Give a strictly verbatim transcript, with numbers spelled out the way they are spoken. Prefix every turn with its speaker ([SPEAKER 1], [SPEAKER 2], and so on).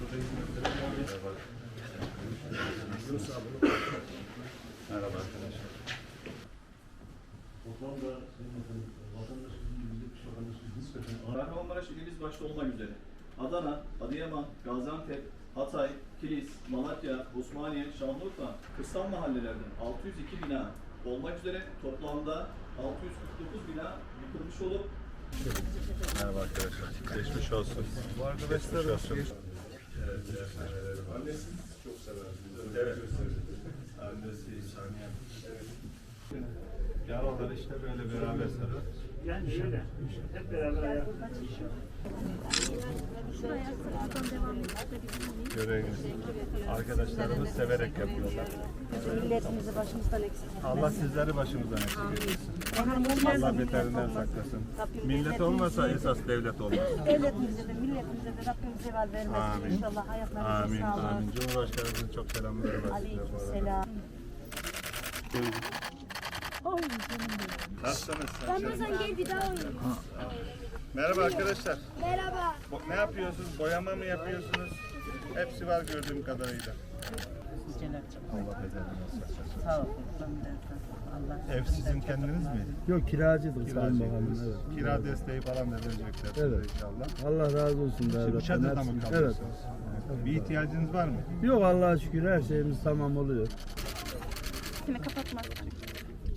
[SPEAKER 1] Merhaba arkadaşlar.
[SPEAKER 2] Kahramanmaraş ilimiz başta olmak üzere Adana, Adıyaman, Gaziantep, Hatay, Kilis, Malatya, Osmaniye, Şanlıurfa, kırsal mahallelerden altı yüz iki bina olmak üzere toplamda altı yüz kırk dokuz bina yıkılmış olup
[SPEAKER 1] Merhaba arkadaşlar. Geçmiş olsun. Bu arkadaşlar olsun.
[SPEAKER 3] Annesi çok sever.
[SPEAKER 1] Evet. Annesi saniye. Evet. Yaralar işte böyle beraber sarar.
[SPEAKER 4] Yani şöyle, hep beraber ayakta.
[SPEAKER 1] Göreviniz. Arkadaşlarımız severek yapıyorlar.
[SPEAKER 5] Milletimizi başımızdan eksik etmesin.
[SPEAKER 1] Allah sizleri başımızdan eksik etmesin. Allah beterinden saklasın. Millet olmasa esas devlet olmaz.
[SPEAKER 5] Devletimize de milletimize de Rabbim zeval vermesin.
[SPEAKER 1] Amin.
[SPEAKER 5] İnşallah hayatlarınıza
[SPEAKER 1] Amin.
[SPEAKER 5] sağlık.
[SPEAKER 1] Amin. Cumhurbaşkanımızın çok selamları var.
[SPEAKER 5] Aleykümselam.
[SPEAKER 1] Nasılsınız?
[SPEAKER 6] Ramazan gel bir daha oynayalım.
[SPEAKER 1] Merhaba arkadaşlar.
[SPEAKER 6] Merhaba.
[SPEAKER 1] Bo- ne yapıyorsunuz? Boyama mı yapıyorsunuz? Hepsi var gördüğüm kadarıyla. Allah beterinden saklasın.
[SPEAKER 5] Sağ olun. Allah.
[SPEAKER 1] Ev sizin kendiniz mi?
[SPEAKER 7] Yok kiracıydık Sayın
[SPEAKER 1] Kiracı.
[SPEAKER 7] Bakanım. Evet.
[SPEAKER 1] Kira desteği falan da verecekler size
[SPEAKER 7] Evet.
[SPEAKER 1] inşallah.
[SPEAKER 7] Allah razı olsun
[SPEAKER 1] Şimdi
[SPEAKER 7] devletten.
[SPEAKER 1] çadırda mı
[SPEAKER 7] hepsini- Evet.
[SPEAKER 1] kalıyorsunuz? Bir ihtiyacınız var mı?
[SPEAKER 7] Yok Allah'a şükür her şeyimiz tamam oluyor.
[SPEAKER 6] Seni kapatmaz.